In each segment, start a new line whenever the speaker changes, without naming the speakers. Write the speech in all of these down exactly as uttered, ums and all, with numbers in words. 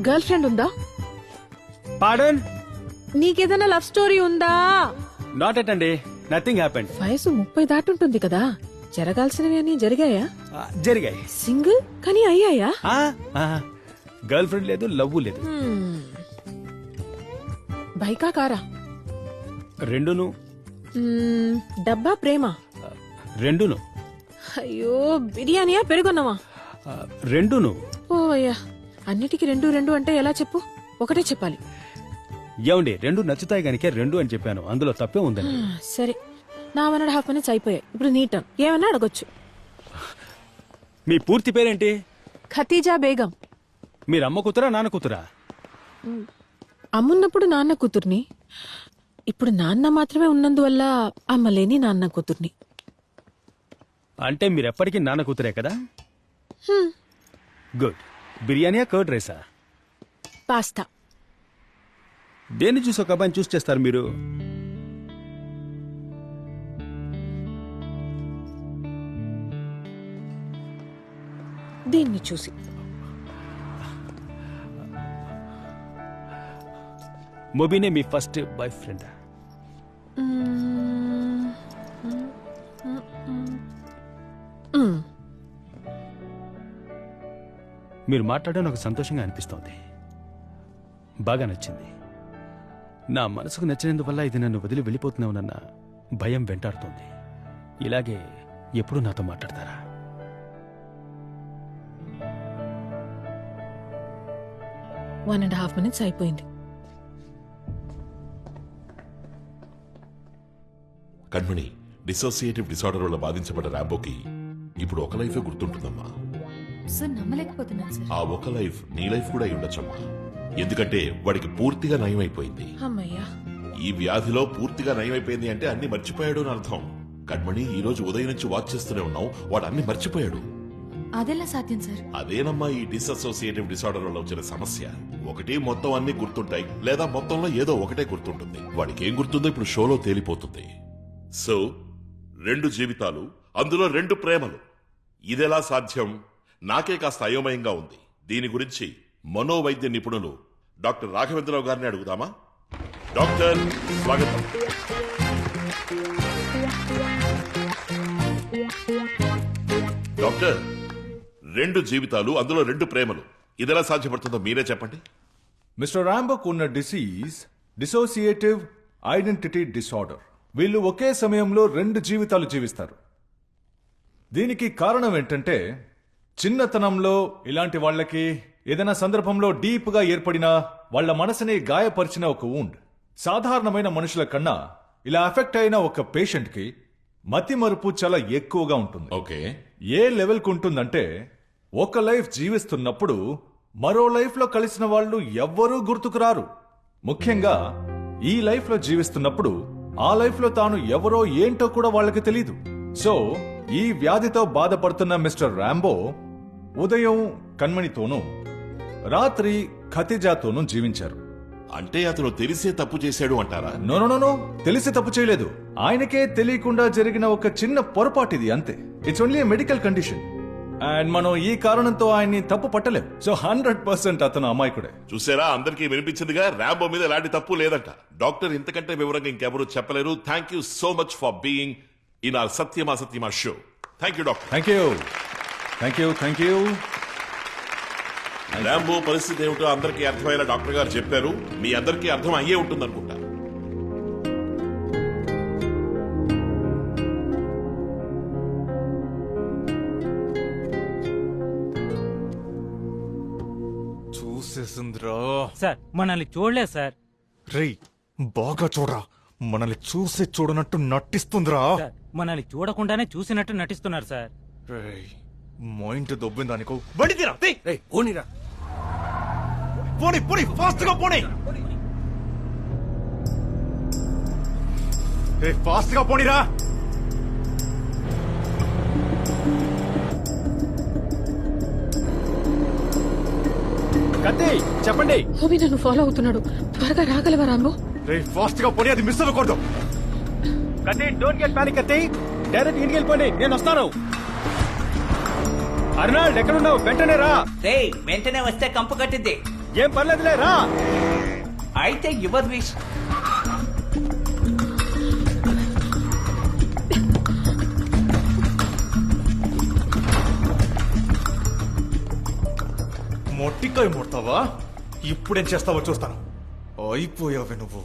Girl friend ఉందా?
Pardon,
నీకేదైనా love story ఉందా?
నాట్ ఎట్ అండి, నథింగ్ హ్యాపెండ్.
వయసు ముప్పై దాటుంటుంది కదా, జరగాల్సినవి అని జరిగాయా?
జరిగాయి.
సింగిల్ కానీ అయ్యాయా?
గర్ల్ ఫ్రెండ్ లేదు, లవ్ లేదు.
హ్మ్. బైకా కారా?
రెండును.
మ్మ్, డబ్బా ప్రేమ?
రెండును.
అయ్యో, బిర్యానీయా పెరుగున్నావా?
ఆ, రెండును.
ఓ అయ్యా, అన్నిటికీ రెండు రెండు అంటే ఎలా చెప్పు? ఒకటే చెప్పాలి.
ఏమండి, రెండు నచ్చుతాయి గనికే రెండు అని చెప్పాను, అందులో తప్పే ఉందని.
ఆ, సరే, నా వన్ అండ్ హాఫ్ మినిట్స్ అయిపోయాయి. ఇప్పుడు నీ టర్న్. ఏమన్నా అడగొచ్చు.
మీ పూర్తి పేరేంటి?
ఖతీజా బేగం.
మీరు అమ్మ కూతురా నాన్న కూతురా?
అమ్మున్నప్పుడు నాన్న కూతుర్ని, ఇప్పుడు నాన్న మాత్రమే ఉన్నందువల్ల అమ్మలేని నాన్న కూతుర్ని.
అంటే మీరు ఎప్పటికీ నాన్న కూతురే కదా?
హ్మ్.
గుడ్. బిర్యానీయా కర్డ్ రైసా?
పాస్తా.
దేన్ని చూసి ఒక అబ్బాయిని చూస్ చేస్తారు మీరు?
దీన్ని చూసి.
మొబీనే మీ ఫస్ట్ బాయ్ ఫ్రెండ్?
మ్మ్. మ్మ్.
మీరు మాట్లాడడం నాకు సంతోషంగా అనిపిస్తోంది, బాగా నచ్చింది. నా మనసుకు నచ్చినందువల్ల ఇది నన్ను వదిలి వెళ్ళిపోతున్నావునన్న భయం వెంటాడుతోంది. ఇలాగే ఎప్పుడు నాతో మాట్లాడతారా?
వన్ అండ్ హాఫ్ మినిట్స్ అయిపోయింది.
కణ్మణి, డిసోసియేటివ్ డిసార్డర్ వల్ల బాధించబడ్డ రాంబోకి ఇప్పుడు ఒక లైఫే గుర్తుంటుందమ్మా.
సార్ నమ్మలేకపోతున్నాను సార్.
ఆ ఒక లైఫ్ నీ లైఫ్ కూడా అయి ఉండొచ్చమ్మా. ఎందుకంటే వాడికి పూర్తిగా నయమైపోయింది.
అమ్మయ్యా.
ఈ వ్యాధిలో పూర్తిగా నయమైపోయింది అంటే అన్ని మర్చిపోయాడు అని అర్థం. కణ్మణి, ఈ రోజు ఉదయం నుంచి వాచ్ చేస్తూనే ఉన్నావు, వాడు అన్ని మర్చిపోయాడు.
అదెలా సాధ్యం సార్?
అదేనమ్మా ఈ డిసోసియేటివ్ డిసార్డర్ వల్ల వచ్చిన సమస్య. ఒకటి మొత్తం అన్ని గుర్తుంటాయి, లేదా మొత్తంలో ఏదో ఒకటే గుర్తుంటుంది. వాడికి ఏం గుర్తుందో ఇప్పుడు షోలో తేలిపోతుంది. సో రెండు జీవితాలు, అందులో రెండు ప్రేమలు, ఇదెలా సాధ్యం? నాకే కాస్త అయోమయంగా ఉంది. దీని గురించి మనోవైద్య నిపుణులు డాక్టర్ రాఘవేంద్రరావు గారిని అడుగుదామా? డాక్టర్, స్వాగతం. డాక్టర్, రెండు జీవితాలు, అందులో రెండు ప్రేమలు, ఇదెలా సాధ్యపడుతుందో మీరే చెప్పండి.
మిస్టర్ రాంబోకు ఉన్న డిసీజ్ డిసోసియేటివ్ ఐడెంటిటీ డిసార్డర్. వీళ్ళు ఒకే సమయంలో రెండు జీవితాలు జీవిస్తారు. దీనికి కారణం ఏంటంటే, చిన్నతనంలో ఇలాంటి వాళ్ళకి ఏదైనా సందర్భంలో డీప్ గా ఏర్పడిన వాళ్ళ మనసుని గాయపరిచిన ఒక వూండ్. సాధారణమైన మనుషుల కన్నా ఇలా ఎఫెక్ట్ అయిన ఒక పేషెంట్ కి మతి మరుపు చాలా ఎక్కువగా ఉంటుంది.
ఓకే.
ఏ లెవెల్ కు ఉంటుందంటే, ఒక లైఫ్ జీవిస్తున్నప్పుడు మరో లైఫ్ లో కలిసిన వాళ్ళు ఎవ్వరూ గుర్తుకు రారు. ముఖ్యంగా ఈ లైఫ్ లో జీవిస్తున్నప్పుడు ఆ లైఫ్ లో తాను ఎవరో ఏంటో కూడా వాళ్ళకి తెలీదు. సో ఈ వ్యాధితో బాధపడుతున్న మిస్టర్ రాంబో ఉదయం కణ్మణితోనూ రాత్రి ఖతిజాతోనూ జీవించారు.
అంటే అతను తెలిసే తప్పు చేశాడు అంటారా?
నో నో నో తెలిసి తప్పు చేయలేదు. ఆయనకే తెలియకుండా జరిగిన ఒక చిన్న పొరపాటు ఇది, అంతే. It's only medical condition and మనం ఈ కారణంతో ఆయన్ని తప్పు పట్టలేం. సో హండ్రెడ్ పర్సెంట్ అతను అమాయకుడే.
చూసారా, అందరికీ వినిపించిందిగా, రాంబో మీద ఎలాంటి తప్పు లేదంట. డాక్టర్ ఇంతకంటే వివరంగా ఇంకెవరూ చెప్పలేరు. Thank you so much for being in our సత్యమా సత్యమా show. Thank you doctor.
Thank you thank you thank you
Rambo పరిస్థితి ఏమిటో అందరికీ అర్థమయ్యేలా డాక్టర్ గారు చెప్పారు. మీ అందరికీ అర్థం అయ్యే ఉంటుంది అనుకుంటా.
చూసేసిందిరా
సార్, మనల్ని చూడలేదు సార్.
రేయ్, బాగా చూడరా, మనల్ని చూసి చూడనట్టు నటిస్తుందిరా.
సార్, మనల్ని చూడకుండానే చూసినట్టు నటిస్తున్నారు సార్.
రేయ్, మైండ్ దొబ్బిందా నీకు?
బడిదిరా, పోనీరా,
పోనీ పోనీ, ఫాస్ట్ గా పోనీ. ఫాస్ట్ గా పోనీరా.
కత్తి చెప్పండి.
హోమీ నన్ను ఫాలో అవుతున్నాడు, త్వరగా రాగలవా రాంబో?
రే ఫాస్ట్ గా పోనీ, అది మిస్ అవ్వకూడదు.
కత్తి, డోంట్ గెట్ పానిక్ కత్తి, డైరెక్ట్ ఇంటికి వెళ్ళిపోండి, నేను వస్తాను. అర్నాల్డ్ ఎక్కడున్నావు? వెంటనే రా.
రేయ్, వెంటనే వస్తే కంపు కట్టిద్ది.
ఏం పర్లేదులే రా.
అయితే యువర్ విష్.
మొట్టికాయ ముడతావా? ఇప్పుడేం చేస్తావో చూస్తాను. అయిపోయావే నువ్వు.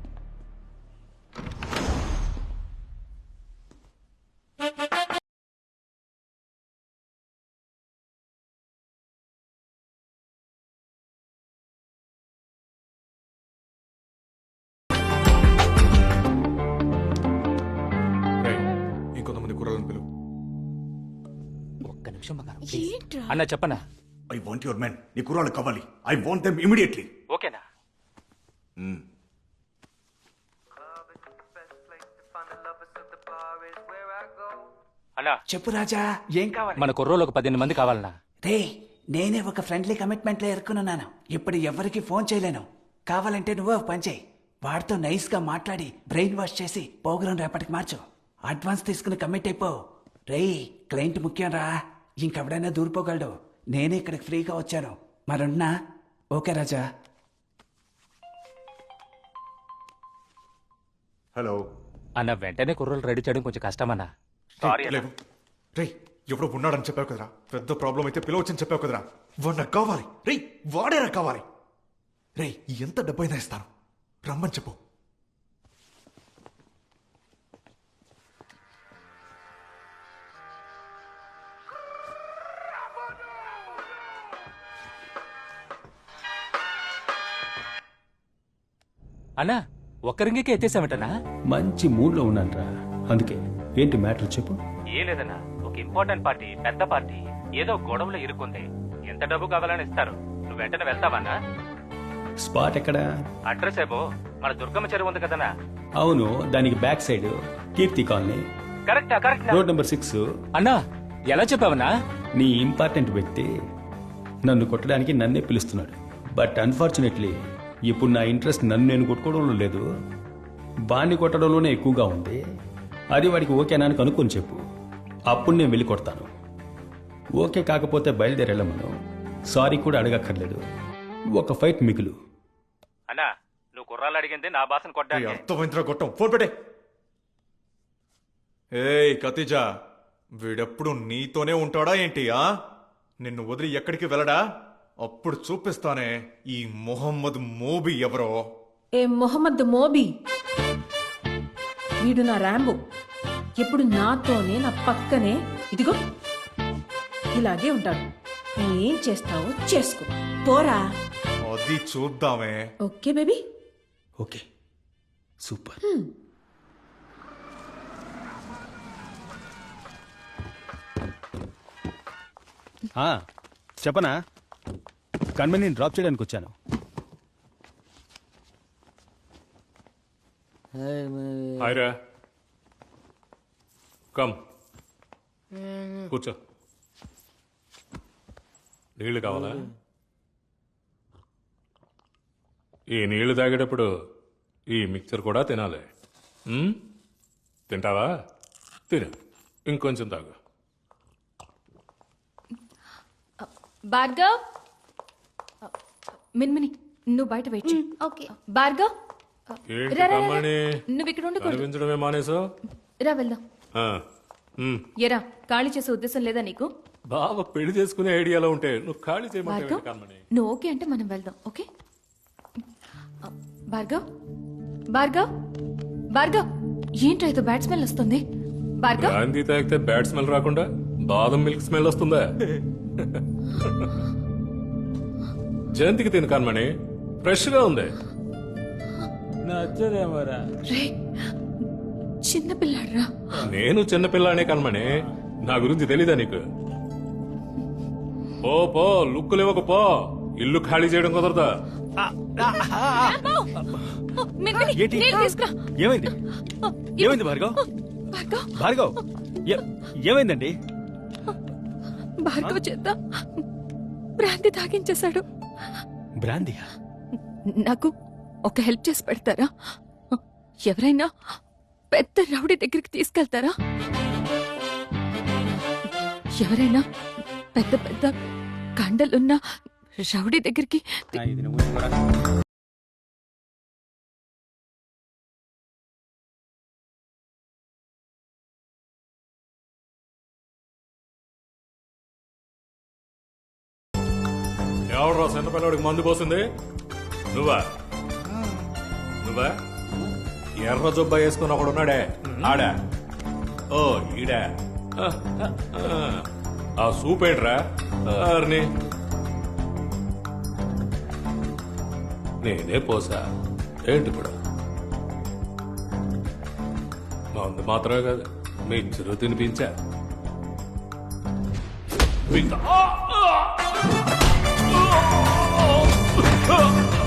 రేయ్, ఇంకొంతమంది కుర్రలను పిలువు.
ఒక్క నిమిషం బంగారం, ప్లీజ్. అన్న చెప్పనా?
I want your men. నీ కుర్రాళ్ళు కావాలి. I want them immediately.
ఓకేనా? అన్నా
చెప్పు రాజా, ఏం కావాలి?
మన కుర్రోలు ఒక పదిహేను మంది కావాలన్నా.
రే, నేనే ఒక ఫ్రెండ్లీ కమిట్మెంట్ లో ఇరుక్కున్నాను. ఇప్పుడు ఎవరికి ఫోన్ చేయలేను. కావాలంటే నువ్వే ఒక పని చేయి. వాడితో నైస్ గా మాట్లాడి బ్రెయిన్ వాష్ చేసి ప్రోగ్రాం రేపటికి మార్చు. అడ్వాన్స్ తీసుకుని కమిట్ అయిపో. రేయ్, క్లయింట్ ముఖ్యం రా. ఇంకెవడైనా దూరిపోగలడు. నేనే ఇక్కడికి ఫ్రీగా వచ్చాను. మరున్నా. ఓకే రాజా.
హలో
అన్న వెంటనే కుర్రోలు రెడీ చేయడం కొంచెం కష్టమన్నా.
లేవు. రే, ఎవడో ఉన్నాడని చెప్పావు కదరా. పెద్ద ప్రాబ్లం అయితే పిలవచ్చని చెప్పావు కదరా. వాడు నాకు కావాలి. రే, వాడే నాకు కావాలి. రే, ఎంత డబ్బైనా ఇస్తాను. రమ్మని చెప్పు.
అన్నా ఒక్క రింగికే ఎత్తేసామటనా?
మంచి మూడ్లో ఉన్నానురా. అందుకే ఏంటి మ్యాటర్ చెప్పు.
ఏ లేదన్నా, ఒక ఇంపార్టెంట్ పార్టీ, పెద్ద పార్టీ ఏదో గొడవలో ఇరుక్కుంది. ఎంత డబ్బు కావాలని ఇస్తారు. నువ్వు వెంటనే వెళ్తావన్నా?
స్పాట్ ఎక్కడా?
అడ్రస్ ఏమో మన దుర్గమ్మ చెరువు ఉంది కదన్నా.
అవును, దానికి బ్యాక్ సైడ్ కీర్తి కాలనీ,
కరెక్టా? Correct
road number six.
అన్నా ఎలా చెప్పావన్నా?
నీ ఇంపార్టెంట్ వ్యక్తి నన్ను కొట్టడానికి నన్నే పిలుస్తున్నాడు. బట్ అన్ఫార్చునేట్లీ ఇప్పుడు నా ఇంట్రెస్ట్ నన్ను నేను కొట్టుకోవడంలో లేదు, బాణ్ణి కొట్టడంలోనే ఎక్కువగా ఉంది. అది వాడికి ఓకేనా అని కనుక్కొని చెప్పు. అప్పుడు నేను వెళ్ళి కొడతాను. ఓకే కాకపోతే బయలుదేరెళ్ళమను. సారీ కూడా అడగక్కర్లేదు. ఒక ఫైట్ మిగులు.
అన్నా నువ్వు కుర్రాలు అడిగింది నా భాషను కొట్టడానికి.
అర్థమైందిరా గొట్టం. ఫోన్ పెట్టే. ఏయ్ కతిజా, వీడెప్పుడు నీతోనే ఉంటాడా ఏంటి? ఆ నిన్ను వదిలి ఎక్కడికి వెళ్ళడా? అప్పుడు చూపిస్తానే ఈ మొహమ్మద్ మోబీ ఎవరో.
ఏ మొహమ్మద్ మోబీ? వీడు నా ర్యాంబో. ఎప్పుడు నాతోనే, నా పక్కనే, ఇదిగో ఇలాగే ఉంటాడు. నువ్వేం చేస్తావో చేసుకో, పోరా.
అది చూద్దామే.
Okay baby.
Okay, super. ఆ, చెప్పనా? కన్వెని డ్రాప్ చేయడానికి వచ్చాను.
హాయ్రా, కమ్ కూర్చో. నీళ్లు కావాలా? ఈ నీళ్లు తాగేటప్పుడు ఈ మిక్చర్ కూడా తినాలి. ఉమ్? తింటావా? తిను, ఇంకొంచెం తాగు.
భార్గవ్, మిన్మిని నువ్వు బయట వెయిట్ చెయ్. ఓకే భార్గవ్,
ఏంటి
రా, రా, రా.
కమ్మని
నువ్వు ఇక్కడ ఉండకూడదు.
కనిపించడమే మానేసో?
రా వెళ్దాం. ఎరా, ఖాళీ చేసే ఉద్దేశం లేదా నీకు?
బావ పెళ్లి చేసుకునే ఐడియాలో ఉంటే నువ్వు ఖాళీ చేయమంటే
భార్గవ్,
కమ్మని.
నువ్వు ఓకే అంటే మనం వెళ్దాం. ఓకే భార్గవ్, భార్గవ్, భార్గవ్, ఏంట్రా ఇది బ్యాడ్ స్మెల్ వస్తుంది? భార్గవ్,
గాంధీ తాగితే బ్యాడ్ స్మెల్ రాకుండా బాదం మిల్క్ స్మెల్ వస్తుందా? జయంతికి తిను కన్మణి, ఫ్రెష్ గా ఉంది.
నచ్చదేమోరా.
రే చిన్న పిల్లాడ్రా.
నేను చిన్నపిల్లనే కన్మణి, నా గురించి తెలీదా నీకు? పో పో, లుక్కులు ఇవ్వకు పో. ఇల్లు ఖాళీ చేయడం కుదరదా?
మిన్మిని, నీళ్ళు తీసుకురా.
ఏమైంది? ఏమైంది భార్గవ్?
భార్గవ్,
భార్గవ్, ఏ- ఏమైందండి?
భార్గవ్ చేత భ్రాంతి తాగించేశాడు.
బ్రాందియా?
నాకు ఒక హెల్ప్ చేసి పెడతారా? ఎవరైనా పెద్ద రౌడీ దగ్గరికి తీసుకెళ్తారా? ఎవరైనా పెద్ద పెద్ద కండలున్న రౌడీ దగ్గరికి
ఇది నువ్వు కూడా.
ఎవరు చిన్న పిల్లడికి మందు పోసింది నువ్వా నువ్వా ఎర్ర జొబ్బ వేసుకుని ఒకడు ఉన్నాడే ఆడా ఓ ఈడా ఆ సూప్ ఏంట్రా అర్ని నేనే పోసా ఏంటి ఇప్పుడు మందు మాత్రమే కాదు మీ చిరు తినిపించా ఇంకా-